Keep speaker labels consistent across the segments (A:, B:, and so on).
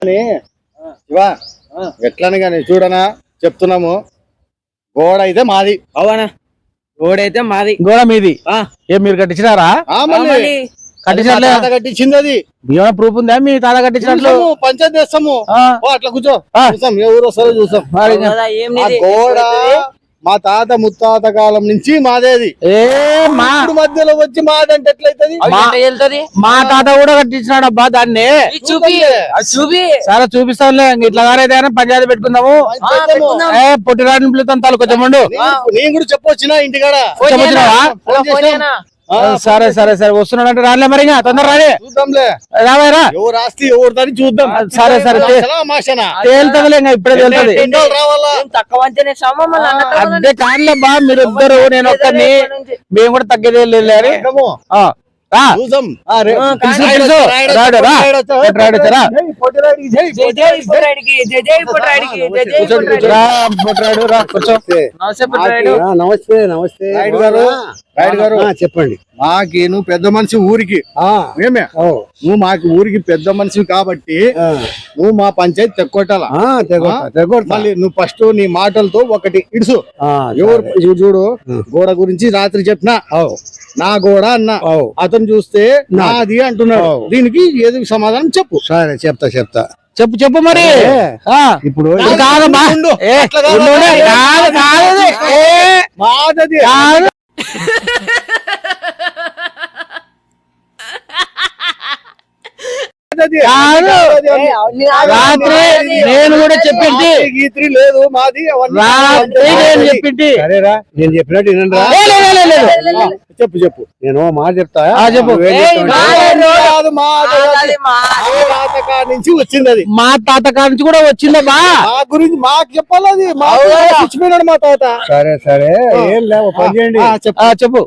A: శివా ఎట్లని కానీ చూడనా చెప్తున్నాము. గోడ అయితే మాది.
B: అవునా? గోడ అయితే మాది.
C: గోడ మీది. ఏం మీరు కట్టించినారా?
A: కట్టించింది. అది
C: ఏమైనా ప్రూఫ్ ఉందా మీ తాత కట్టించినట్లు?
A: పంచాయతీ చేస్తాము. అట్లా కూర్చో, చూసాం ఎవరు వస్తారో చూసాం. గోడ మా తాత ముత్తాత కాలం నుంచి మాదేది. మధ్యలో వచ్చి మాదంటే ఎట్లయితది?
C: మా తాత కూడా కట్టించినాడు అబ్బా దాన్ని. సరే చూపిస్తానులే. ఇట్లా గారైతే పంచాయతీ పెట్టుకుందాము. పొట్టిరాడిని పిలుతాను తాలు కొంచెం.
A: నేను కూడా చెప్పొచ్చినా ఇంటికాడ.
C: సరే సరే సరే వస్తున్నాడంటే రాలే మరి తొందర రాలే.
A: చూద్దాంలే.
C: రావారా?
A: ఎవరు ఆస్తి ఎవరిదని చూద్దాం.
C: సరే సరే తేలుతుందిలే. ఇప్పుడే తేలుతుంది. అదే కాదులే బా, మీరు ఇద్దరు నేను ఒక్కరిని. మేము కూడా తగ్గేది లేదు.
A: నమస్తే నమస్తే గారు. చెప్పండి. మాకి నువ్వు పెద్ద మనిషి ఊరికి. మేమే నువ్వు మాకు ఊరికి పెద్ద మనిషి కాబట్టి నువ్వు మా పంచాయతీ తెక్కొట్టాలా. మళ్ళీ నువ్వు ఫస్ట్ నీ మాటలతో ఒకటి ఇడుసు. ఎవరు చూడు, గోడ గురించి రాత్రి చెప్పినా నా గోడ అన్నా, అతను చూస్తే నాది అంటున్నాడు. దీనికి ఏది సమాధానం చెప్పు. సరే చెప్తా
C: చెప్పు మరి. ఇప్పుడు రాత్రి నేను కూడా చెప్పింది
A: గీత్రి లేదు మాది.
C: రాత్రి నేను చెప్పింది.
A: సరేరా, నేను చెప్పినట్టు చెప్పు. నేను మాట చెప్తా.
C: చెప్పు.
A: నుంచి వచ్చింది అది.
C: మా తాత కాడ నుంచి కూడా వచ్చిందమ్మా.
A: మా గురించి మాకు చెప్పాలి. అది చచ్చిపోయినాడు మా తాత. సరే సరే, ఏం లేవు పని చేయండి.
C: చెప్పు.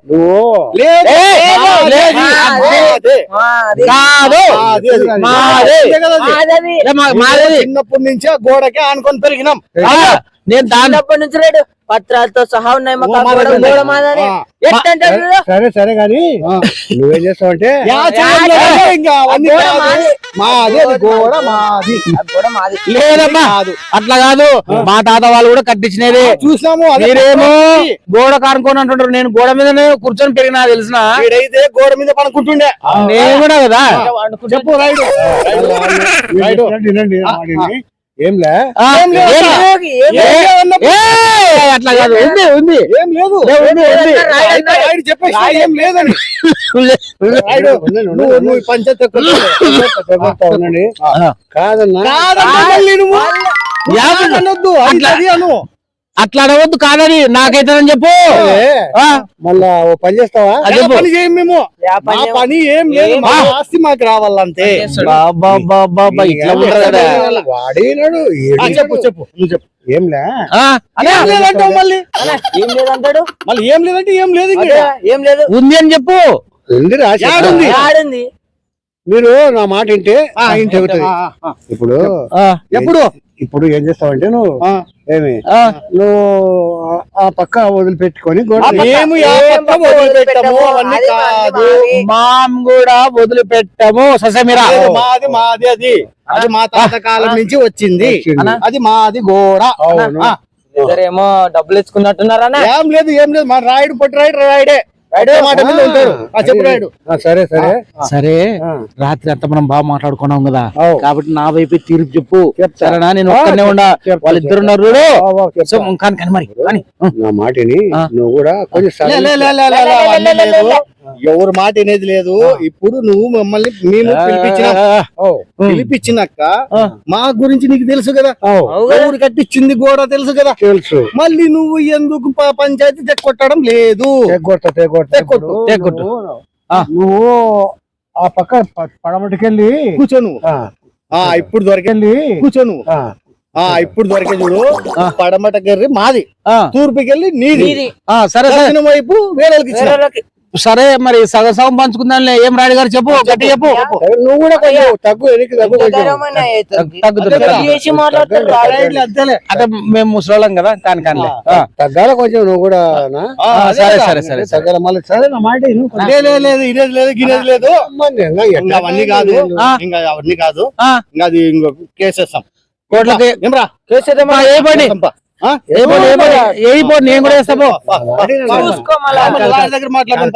A: చిన్నప్పటి నుంచి ఆ గోడకే ఆనుకొని పెరిగినాం.
C: నేను దాన్నప్పటి
B: నుంచి లేడు. పత్రాలతో సహా ఉన్నాయి.
A: సరే సరే గాని నువ్వేం చేస్తావు అంటే
C: లేదమ్మా, అట్లా కాదు. మా తాత వాళ్ళు కూడా కట్టించినది
A: చూసాము.
C: మీరేమో గోడ కానుకొని అంటుంటారు. నేను గోడ మీదనే కూర్చొని పెరిగినా తెలిసిన.
A: అయితే గోడ మీద పడుకుంటుండే.
C: నేను కూడా కదా.
A: చెప్పు. వినండి. ఏంలే
C: అట్లా కాదు. ఉంది
A: ఏం లేదు. చెప్పేసి ఏం లేదని నువ్వు పంచాయతీ ఉండండి. కాదన్నా
C: అట్లా అడవద్దు. కాదని నాకైతే చెప్పు.
A: మళ్ళా ఓ పని చేస్తావా? పని చేయం మేము. పని ఏం లేదు. ఆస్తి మాకు రావాలంతే. వాడినాడు. చెప్పు నువ్వు చెప్పు. ఏం లేదంటావు. మళ్ళీ
B: ఏం లేదంటాడు.
A: మళ్ళీ ఏం లేదంటే ఏం లేదు.
B: ఏం లేదు.
C: ఉంది అని చెప్పు.
B: ఉంది.
A: మీరు నా మాట వింటే ఇప్పుడు ఇప్పుడు ఏం చేస్తావంటే నువ్వు నువ్వు ఆ పక్క వదిలిపెట్టుకొని
C: మాం కూడా వదిలిపెట్టము. ససమిరా
A: మాది అది మా తాత కాలం నుంచి వచ్చింది. అది మాది గోడ.
B: ఏమో డబ్బులు ఇచ్చుకున్నట్టున్నారా?
A: ఏం లేదు. మా రాయుడు పొట్టి రాయుడే మాట మీద ఉంటాడు. సరే సరే
C: సరే. రాత్రి అంతా మనం బాగా మాట్లాడుకున్నాం కదా, కాబట్టి నా వైపు తీర్పు చెప్పు. సరేనా? నేను ఒక్కనే ఉండా. వాళ్ళిద్దరు ఉన్నారు. కానీ మరి
A: నా మాటని నువ్వు కూడా కొంచెం ఎవరు మాట అనేది లేదు. ఇప్పుడు నువ్వు మమ్మల్ని మేము పిలిపించినాక మా గురించి నీకు తెలుసు కదా. ఎవరు కట్టించింది గోడ తెలుసు కదా. తెలుసు. మళ్ళీ నువ్వు ఎందుకు పంచాయతీ తెక్కొట్టడం లేదు? నువ్వు ఆ పక్క పడమటికెళ్ళి కూర్చోను. ఇప్పుడు కూర్చోను. ఇప్పుడు దొరికే చూడు. పడమటకెళ్ళి మాది, తూర్పుకెళ్ళి నీది. సరే వైపు వేరేకి
C: సరే మరి సగం సగం పంచుకుందాంలే. ఏం రాయుడు గారు చెప్పు, గట్టి చెప్పు.
A: నువ్వు కూడా కొంచెం తగ్గు, వెనక్కి తగ్గు కొంచెం.
C: అంటే మేము ముసలోళ్ళం కదా, కానిలే.
A: తగ్గాల కొంచెం నువ్వు కూడా.
C: సరే సరే సరే
A: తగ్గాల మళ్ళీ. సరే నా మాట లేదు, ఇదేది లేదు, గినేది లేదు. అవన్నీ కాదు, ఇంకా అవన్నీ కాదు. ఇంకా అది ఇంకో కేసేస్తాం
C: కోట్లకి.
A: ఏమ్రా
C: ఏ బండి నేను కూడా వేస్తా పో.
A: దగ్గర మాట్లాడదాం.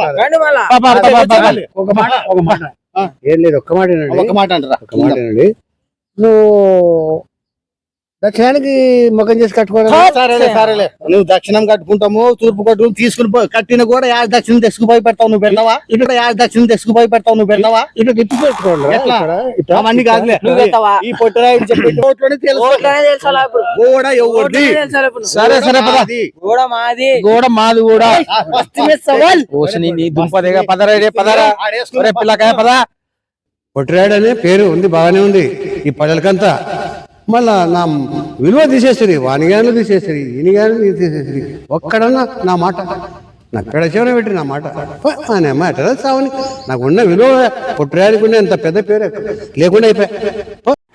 D: ఒక మాట ఏం లేదు, ఒక్క మాట
A: ఒక మాట అంటారా?
D: ఒక్క మాట నువ్వు దక్షిణానికి ముఖం చేసి కట్టుకోవడం.
A: సరేలే నువ్వు దక్షిణం కట్టుకుంటాము, తూర్పు కట్టు తీసుకుని కట్టిన కూడా యాడ్ దక్షిణం తెచ్చుకుపోయి పెడతావు నువ్వు పెడతావా? ఇక్కడ యాడ్ దక్షిణం తెచ్చుకుపోయి పెడతావు నువ్వు పెడతావా?
D: ఇట్లా తిప్పి పెట్టుకోండి.
A: అవన్నీ కాదులే, ఈ పొట్టురాయుడు చెప్పి గోడ ఎవరిది?
C: సరే సరే పద.
B: గోడ మాది,
C: గోడ మాది కూడా. నీ దుంపదేగా పదరా పదరా పిల్లకాయ పద.
D: పొట్టిరాయుడు అనే పేరు ఉంది, బాగానే ఉంది ఈ పల్లెలకంతా. మళ్ళా నా విలువ తీసేస్తుంది, వానిగాను తీసేస్తుంది, ఈనిగాను తీసేస్తుంది. ఒక్కడన్నా నా మాట నక్కడ చెవున పెట్టి నా మాట మాట సావని. నాకు ఉన్న విలువ పొట్టిరాయుడికి అంత పెద్ద పేరు లేకుండా అయిపోయా.